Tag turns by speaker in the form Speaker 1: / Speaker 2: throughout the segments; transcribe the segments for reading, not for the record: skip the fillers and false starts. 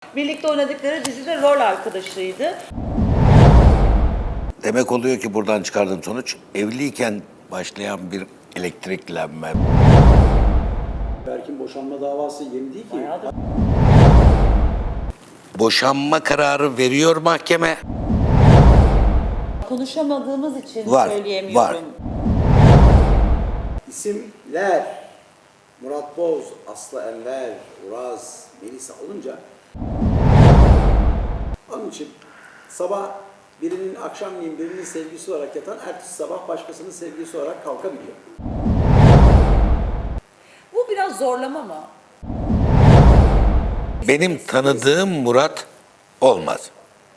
Speaker 1: birlikte oynadıkları dizide rol arkadaşıydı.
Speaker 2: Demek oluyor ki buradan çıkardığım sonuç evliyken başlayan bir elektriklenme.
Speaker 3: Berk'in boşanma davası yeni değil ki.
Speaker 1: Bayağıdır.
Speaker 2: Boşanma kararı veriyor mahkeme.
Speaker 1: Konuşamadığımız için
Speaker 2: Var,
Speaker 1: söyleyemiyorum.
Speaker 2: var.
Speaker 3: İsimler Murat Boz, Aslı Enver, Uraz, Melisa olunca onun için sabah birinin akşamleyin birinin sevgilisi olarak yatan ertesi sabah başkasının sevgilisi olarak kalkabiliyor.
Speaker 1: Bu biraz zorlama mı?
Speaker 2: Benim tanıdığım Murat olmaz.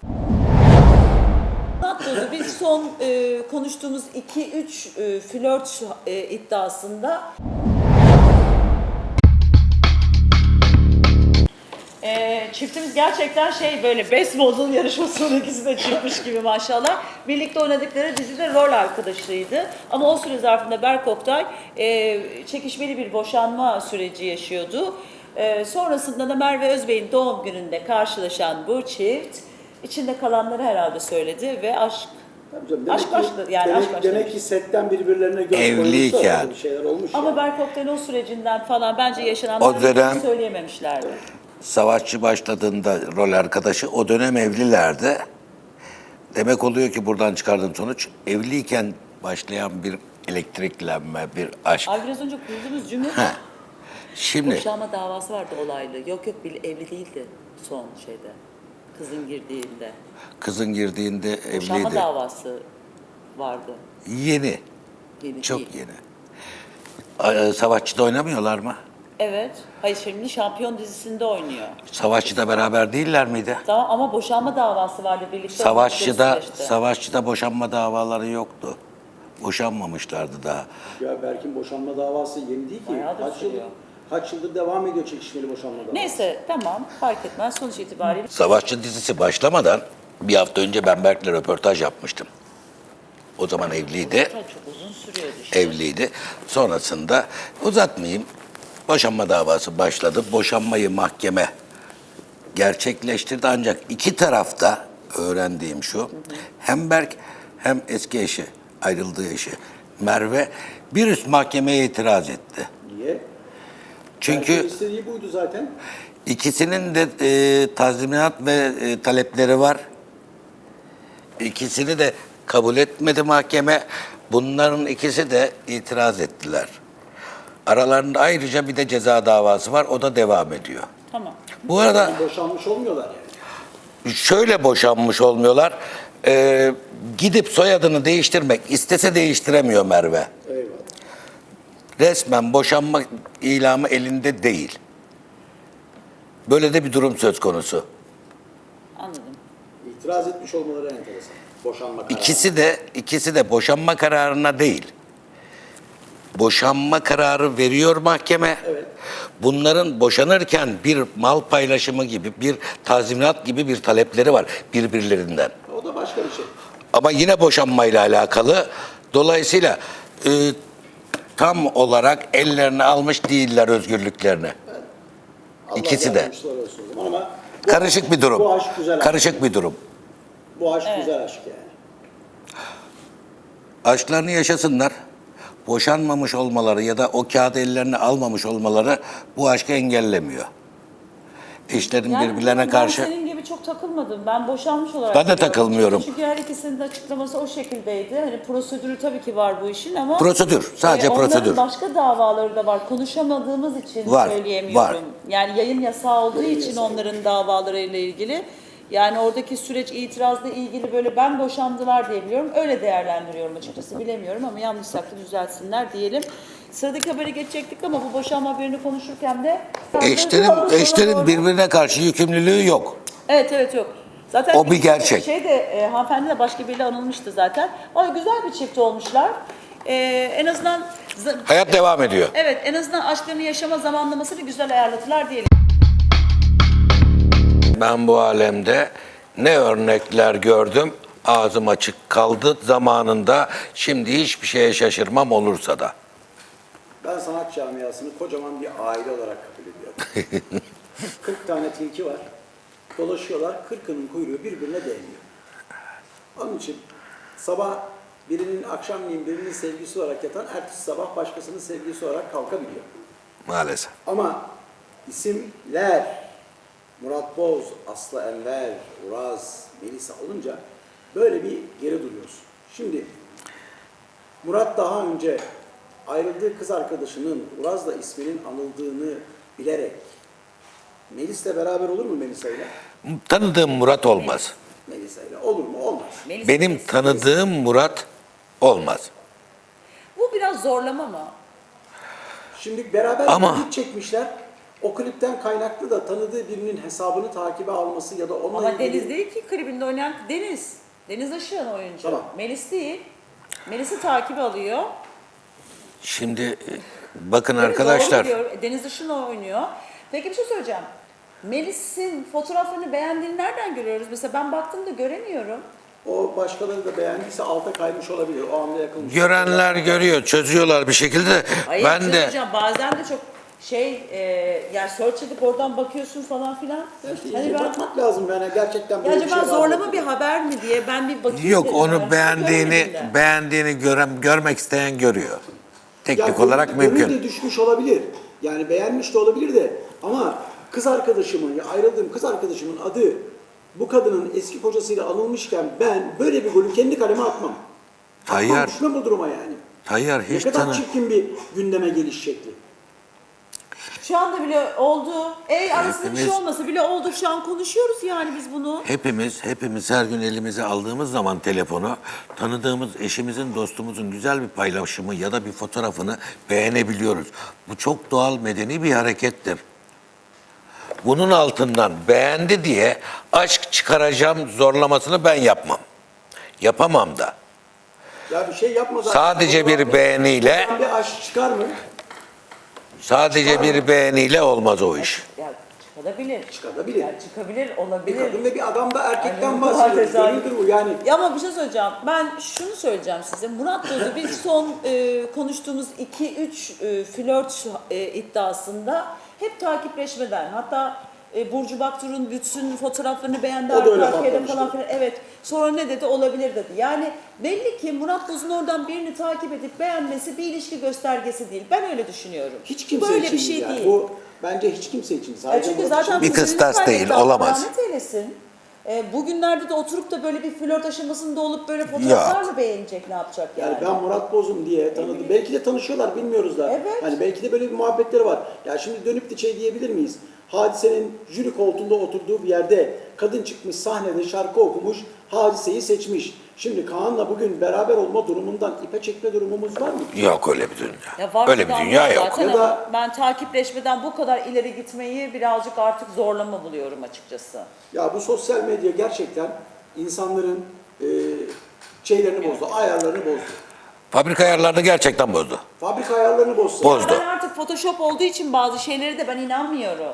Speaker 1: Murat Boz'u biz son konuştuğumuz 2-3 flört iddiasında çiftimiz gerçekten böyle beyzbolun yarışmasının ikisi de çıkmış gibi maşallah. Birlikte oynadıkları dizide rol arkadaşıydı. Ama o süre zarfında Berk Oktay çekişmeli bir boşanma süreci yaşıyordu. Sonrasında da Merve Özbey'in doğum gününde karşılaşan bu çift içinde kalanları herhalde söyledi ve aşk başladı. Yani aşk başladı.
Speaker 3: Demek ki setten birbirlerine göz
Speaker 2: Evliyken.
Speaker 3: koymuşlar, bir şeyler olmuş.
Speaker 1: Ama
Speaker 3: yani.
Speaker 1: Berk Oktay'ın o sürecinden falan bence yaşananları
Speaker 2: O dönem-
Speaker 1: hiç söyleyememişlerdi.
Speaker 2: Savaşçı başladığında rol arkadaşı o dönem evlilerdi. Demek oluyor ki buradan çıkardığım sonuç evliyken başlayan bir elektriklenme, bir aşk.
Speaker 1: Ay biraz önce kurduğumuz cümle
Speaker 2: Heh. Şimdi
Speaker 1: boşanma davası vardı olaylı. Yok evli değildi son şeyde. Kızın girdiğinde.
Speaker 2: kızın girdiğinde
Speaker 1: Boşanma
Speaker 2: evliydi.
Speaker 1: davası vardı.
Speaker 2: Yeni,
Speaker 1: Yeni
Speaker 2: çok
Speaker 1: değil.
Speaker 2: yeni. Savaşçı'da oynamıyorlar mı?
Speaker 1: Evet. Hayır şimdi Şampiyon dizisinde oynuyor.
Speaker 2: Savaşçı'da beraber değiller miydi?
Speaker 1: Tamam ama boşanma davası vardı birlikte.
Speaker 2: Savaşçı'da,
Speaker 1: oynadıkları süreçte.
Speaker 2: Savaşçı'da boşanma davaları yoktu. Boşanmamışlardı daha.
Speaker 3: Ya Berk'in boşanma davası yeni değil ki.
Speaker 1: Bayağıdır sürüyor.
Speaker 3: Kaç yıldır devam ediyor çekişmeli boşanma davası.
Speaker 1: Neyse tamam fark etmez sonuç itibariyle.
Speaker 2: Savaşçı dizisi başlamadan bir hafta önce ben Berk'le röportaj yapmıştım. O zaman evliydi.
Speaker 1: Çok uzun sürüyordu işte.
Speaker 2: Evliydi. Sonrasında uzatmayayım. Boşanma davası başladı. Boşanmayı mahkeme gerçekleştirdi ancak iki tarafta öğrendiğim şu. Hem Berk hem eski eşi, ayrıldığı eşi Merve bir üst mahkemeye itiraz etti.
Speaker 3: Niye?
Speaker 2: Çünkü
Speaker 3: Berk'in istediği buydu zaten.
Speaker 2: İkisinin de tazminat ve talepleri var. İkisini de kabul etmedi mahkeme. Bunların ikisi de itiraz ettiler. Aralarında ayrıca bir de ceza davası var. O da devam ediyor.
Speaker 1: Tamam.
Speaker 2: Bu arada
Speaker 3: Boşanmış olmuyorlar yani.
Speaker 2: şöyle boşanmış olmuyorlar. Gidip soyadını değiştirmek istese değiştiremiyor Merve.
Speaker 3: Eyvallah.
Speaker 2: Resmen boşanma ilamı elinde değil. Böyle de bir durum söz konusu.
Speaker 1: Anladım.
Speaker 3: İtiraz etmiş olmaları enteresan. Boşanma kararı.
Speaker 2: İkisi de boşanma kararına değil. Boşanma kararı veriyor mahkeme.
Speaker 3: Evet.
Speaker 2: Bunların boşanırken bir mal paylaşımı gibi, bir tazminat gibi bir talepleri var birbirlerinden.
Speaker 3: O da başka bir şey.
Speaker 2: Ama yine boşanmayla alakalı. Dolayısıyla tam olarak ellerine almış değiller özgürlüklerini.
Speaker 3: Allah
Speaker 2: İkisi de.
Speaker 3: yardımcıları olsun o zaman ama
Speaker 2: Karışık bir durum.
Speaker 3: Bu aşk güzel aşk.
Speaker 2: Karışık bir durum.
Speaker 3: Bu aşk güzel aşk yani.
Speaker 2: Aşklarını yaşasınlar. Boşanmamış olmaları ya da o kağıdı ellerine almamış olmaları bu aşkı engellemiyor. Eşlerin birbirlerine karşı...
Speaker 1: Ben senin gibi çok takılmadım. Ben boşanmış olarak...
Speaker 2: Ben de
Speaker 1: biliyorum.
Speaker 2: takılmıyorum.
Speaker 1: Çünkü her ikisinin de açıklaması o şekildeydi. Hani prosedürü tabii ki var bu işin ama...
Speaker 2: Prosedür, sadece prosedür.
Speaker 1: Onların başka davaları da var. Konuşamadığımız için
Speaker 2: Var,
Speaker 1: söyleyemiyorum.
Speaker 2: var.
Speaker 1: Yani yayın yasağı olduğu için onların davalarıyla ilgili. Yani oradaki süreç itirazla ilgili böyle ben boşandılar diye biliyorum. Öyle değerlendiriyorum açıkçası bilemiyorum ama yanlışsa düzeltsinler diyelim. Sıradaki haberi geçecektik ama bu boşanma haberini konuşurken de...
Speaker 2: Eşlerin birbirine karşı yükümlülüğü yok.
Speaker 1: Evet yok. Zaten
Speaker 2: O bir gerçek.
Speaker 1: Hanımefendi de başka biriyle anılmıştı zaten. O güzel bir çift olmuşlar. En azından...
Speaker 2: Hayat devam ediyor.
Speaker 1: Evet en azından aşklarını yaşama zamanlamasını güzel ayarladılar diyelim.
Speaker 2: Ben bu alemde ne örnekler gördüm, ağzım açık kaldı zamanında. Şimdi hiçbir şeye şaşırmam olursa da.
Speaker 3: Ben sanat camiasını kocaman bir aile olarak kabul ediyorum. 40 tane tilki var. dolaşıyorlar, kırkının kuyruğu birbirine değmiyor. Onun için sabah birinin akşamleyin birinin sevgisi olarak yatan, ertesi sabah başkasının sevgisi olarak kalkabiliyor.
Speaker 2: Maalesef.
Speaker 3: Ama isimler Murat Boz, Aslı Enver, Uraz, Melisa olunca böyle bir geri duruyorsun. Şimdi Murat daha önce ayrıldığı kız arkadaşının Uraz'la isminin anıldığını bilerek Melis'le beraber olur mu Melisa'yla?
Speaker 2: Tanıdığım Murat olmaz.
Speaker 3: Melisa'yla olur mu? Olmaz.
Speaker 1: Melisa
Speaker 2: Benim
Speaker 1: Melis-
Speaker 2: tanıdığım Murat olmaz.
Speaker 1: Bu biraz zorlama mı?
Speaker 3: Şimdi beraber
Speaker 2: Ama-
Speaker 3: bir klip çekmişler. O klipten kaynaklı da tanıdığı birinin hesabını takibe alması ya da onunla
Speaker 1: Ama
Speaker 3: ilgili...
Speaker 1: Deniz değil ki klibinde oynayan Deniz. Deniz Aşık'ın oyuncu.
Speaker 3: Tamam.
Speaker 1: Melis değil. Melis'i takip alıyor.
Speaker 2: Şimdi bakın
Speaker 1: Deniz
Speaker 2: arkadaşlar.
Speaker 1: doğru diyor. Deniz Aşık'ın oynuyor. Peki bir şey söyleyeceğim. Melis'in fotoğraflarını beğendiğini nereden görüyoruz? Mesela ben baktığımda göremiyorum.
Speaker 3: O başkaları da beğendiyse alta kaymış olabilir. O anda yakılmış.
Speaker 2: Görenler görüyor, çözüyorlar bir şekilde.
Speaker 1: Hayır,
Speaker 2: Ben
Speaker 1: bir şey
Speaker 2: de
Speaker 1: söyleyeceğim. Bazen de çok yani search edip oradan bakıyorsun falan filan.
Speaker 3: Ya işte
Speaker 1: Hani
Speaker 3: iyice
Speaker 1: ben,
Speaker 3: bakmak lazım yani gerçekten
Speaker 1: ya
Speaker 3: böyle bir
Speaker 1: acaba
Speaker 3: şey var
Speaker 1: zorlama
Speaker 3: mı?
Speaker 1: bir haber mi diye ben bir bakayım
Speaker 2: yok
Speaker 1: dedim.
Speaker 2: onu
Speaker 1: Ben
Speaker 2: beğendiğini
Speaker 1: görmedim de.
Speaker 2: görmek isteyen görüyor. Teknik
Speaker 3: Ya
Speaker 2: olarak
Speaker 3: gönül
Speaker 2: mümkün.
Speaker 3: de düşmüş olabilir. Yani beğenmiş de olabilir de ama kız arkadaşımın, ya ayrıldığım kız arkadaşımın adı bu kadının eski kocasıyla anılmışken ben böyle bir golü kendi kaleme atmam.
Speaker 2: Tayyar.
Speaker 3: Atmam, düşmem bu duruma yani.
Speaker 2: Tayyar
Speaker 3: Ne
Speaker 2: hiç
Speaker 3: kadar çirkin bir gündeme geliş şekli.
Speaker 1: Şu anda bile oldu. Arasında bir şey
Speaker 2: Hepimiz-
Speaker 1: olmasa bile oldu. Şu an konuşuyoruz yani biz bunu.
Speaker 2: Hepimiz her gün elimize aldığımız zaman telefonu tanıdığımız eşimizin, dostumuzun güzel bir paylaşımı ya da bir fotoğrafını beğenebiliyoruz. Bu çok doğal, medeni bir harekettir. Bunun altından beğendi diye aşk çıkaracağım zorlamasını ben yapmam. Yapamam da.
Speaker 3: Ya bir şey yapmadan...
Speaker 2: Sadece bir beğeniyle,
Speaker 3: Buradan bir aşk çıkar mı?
Speaker 2: sadece bir beğeniyle olmaz o iş.
Speaker 1: Ya çıkabilir.
Speaker 3: Çıkabilir.
Speaker 1: Ya çıkabilir,
Speaker 3: Bir
Speaker 1: olabilir.
Speaker 3: kadın ve bir adam da erkekten
Speaker 1: Yani bu
Speaker 3: bahsediyor.
Speaker 1: kadar tesadüf.
Speaker 3: Gönüldür bu yani.
Speaker 1: Ya ama bir şey söyleyeceğim. Ben şunu söyleyeceğim size. Murat Boz'u biz son konuştuğumuz 2-3 flört iddiasında hep takipleşmeden, hatta Burcu Baktur'un bütün fotoğraflarını beğendi
Speaker 3: O da öyle
Speaker 1: arka arkaya da
Speaker 3: patlamıştı.
Speaker 1: falan filan. Evet. Sonra ne dedi? Olabilir dedi. Yani belli ki Murat Boz'un oradan birini takip edip beğenmesi bir ilişki göstergesi değil. Ben öyle düşünüyorum.
Speaker 3: Hiç kimse
Speaker 1: Böyle
Speaker 3: için
Speaker 1: bir şey
Speaker 3: yani.
Speaker 1: değil.
Speaker 3: Bu bence hiç kimse için. Sadece
Speaker 1: Çünkü
Speaker 3: Murat için
Speaker 1: zaten
Speaker 2: Bir
Speaker 1: kuzenini
Speaker 2: kıstas
Speaker 1: kaybetti,
Speaker 2: değil,
Speaker 1: Allah
Speaker 2: olamaz.
Speaker 1: rahmet eylesin. Bugünlerde de oturup da böyle bir flört aşamasında olup böyle fotoğraflar
Speaker 2: Yok.
Speaker 1: mı beğenecek, ne yapacak yani?
Speaker 3: Yani ben Murat Boz'um diye tanıdım. Belki de tanışıyorlar, bilmiyoruz da.
Speaker 1: Evet.
Speaker 3: Hani belki de böyle bir muhabbetleri var. Ya şimdi dönüp de şey diyebilir miyiz? Hadise'nin jüri koltuğunda oturduğu bir yerde kadın çıkmış sahnede şarkı okumuş, Hadise'yi seçmiş. Şimdi Kaan'la bugün beraber olma durumundan ipe çekme durumumuz var mı?
Speaker 2: Yok öyle bir dünya.
Speaker 1: Ya var
Speaker 2: Öyle bir
Speaker 1: zaten
Speaker 2: dünya yok.
Speaker 1: zaten
Speaker 3: Ya da-
Speaker 1: ama ben takipleşmeden bu kadar ileri gitmeyi birazcık artık zorlama buluyorum açıkçası.
Speaker 3: Ya bu sosyal medya gerçekten insanların şeylerini bozdu, ayarlarını bozdu.
Speaker 2: Fabrika ayarlarını gerçekten bozdu.
Speaker 3: Fabrika ayarlarını bozdu.
Speaker 2: Bozdu.
Speaker 1: Ben artık Photoshop olduğu için bazı şeyleri de ben inanmıyorum.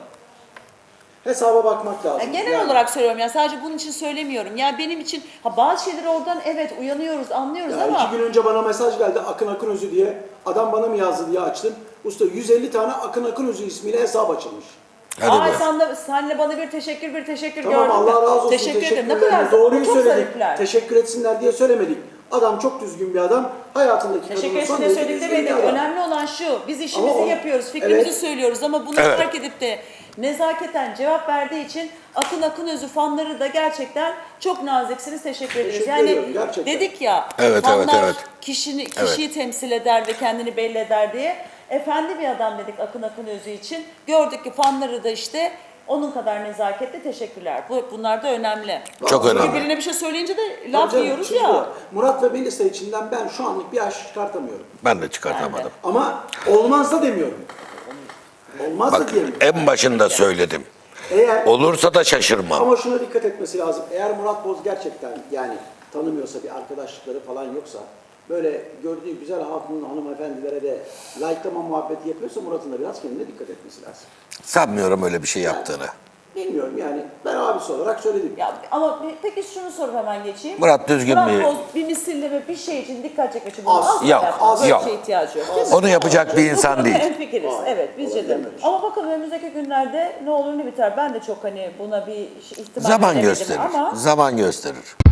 Speaker 3: Hesaba bakmak lazım.
Speaker 1: Genel
Speaker 3: Yani
Speaker 1: olarak söylüyorum ya, sadece bunun için söylemiyorum. Yani benim için bazı şeyleri oradan evet uyanıyoruz, anlıyoruz
Speaker 3: Ya
Speaker 1: ama
Speaker 3: 2 gün önce bana mesaj geldi Akın Akınözü diye. Adam bana mı yazdı diye açtım. Usta 150 tane Akın Akınözü ismiyle hesap açılmış.
Speaker 2: Hadi be.
Speaker 1: senle bana bir teşekkür
Speaker 3: Tamam
Speaker 1: gördün
Speaker 3: Allah
Speaker 1: mü?
Speaker 3: razı olsun.
Speaker 1: Teşekkür ederim. Ne
Speaker 3: teşekkürler.
Speaker 1: kadar
Speaker 3: Doğruyu
Speaker 1: çok
Speaker 3: söyledik.
Speaker 1: zarifler.
Speaker 3: Teşekkür etsinler diye söylemedik. Adam çok düzgün bir adam. Hayatındaki
Speaker 1: Teşekkür
Speaker 3: kadının
Speaker 1: etsin
Speaker 3: son
Speaker 1: de
Speaker 3: derece
Speaker 1: söyledik
Speaker 3: düzgün bir
Speaker 1: demedik.
Speaker 3: adam.
Speaker 1: Önemli olan şu, biz işimizi
Speaker 3: Ama o-
Speaker 1: yapıyoruz, fikrimizi
Speaker 3: evet.
Speaker 1: söylüyoruz ama bunu
Speaker 2: Evet.
Speaker 1: fark edip de nezaketen cevap verdiği için Akın Akınözü fanları da gerçekten çok naziksiniz, teşekkür ediyoruz.
Speaker 3: Teşekkür
Speaker 1: Yani
Speaker 3: ediyorum, gerçekten.
Speaker 1: dedik ya,
Speaker 2: Evet,
Speaker 1: fanlar
Speaker 2: evet, evet.
Speaker 1: kişiyi temsil eder ve kendini belli eder diye. Efendi bir adam dedik Akın Akınözü için. Gördük ki fanları da işte onun kadar nezaketli, teşekkürler. Bunlar da önemli.
Speaker 2: Çok
Speaker 1: Çünkü
Speaker 2: önemli.
Speaker 1: birine bir şey söyleyince de
Speaker 3: Tabii
Speaker 1: laf
Speaker 3: canım,
Speaker 1: yiyoruz
Speaker 3: şimdi
Speaker 1: ya.
Speaker 3: Murat ve Melisa içinden ben şu anlık bir aşk çıkartamıyorum.
Speaker 2: Ben de çıkartamadım.
Speaker 3: Ama olmaz da demiyorum. Olmaz da
Speaker 2: Bak
Speaker 3: diyemiyorum.
Speaker 2: en başında söyledim.
Speaker 3: Eğer
Speaker 2: Olursa da şaşırmam.
Speaker 3: Ama şuna dikkat etmesi lazım. Eğer Murat Boz gerçekten yani tanımıyorsa, bir arkadaşlıkları falan yoksa, böyle gördüğü güzel hatun hanımefendilere de like'lama muhabbeti yapıyorsa Murat'ın da biraz kendine dikkat etmesi lazım.
Speaker 2: Sanmıyorum öyle bir şey yaptığını.
Speaker 3: Bilmiyorum yani ben abisi olarak söyledim.
Speaker 1: Ya ama peki şunu sorup hemen geçeyim.
Speaker 2: Murat Düzgün
Speaker 1: Murat
Speaker 2: bir-
Speaker 1: Boz bir misilleme bir şey için dikkat çekmek için
Speaker 3: Az.
Speaker 1: asla
Speaker 2: Yok,
Speaker 1: yapmaz. Böyle
Speaker 2: yok.
Speaker 1: bir şeye ihtiyacı yok. değil mi?
Speaker 2: Onu yapacak bir
Speaker 1: Bu
Speaker 2: insan
Speaker 1: konuda
Speaker 2: değil.
Speaker 1: hemfikiriz.
Speaker 3: Hayır,
Speaker 1: Evet bizce de.
Speaker 3: olabilir mi?
Speaker 1: Ama bakalım önümüzdeki günlerde ne olur ne biter. Ben de çok hani buna bir ihtimal
Speaker 2: Zaman
Speaker 1: veremedim
Speaker 2: gösterir.
Speaker 1: ama
Speaker 2: Zaman gösterir.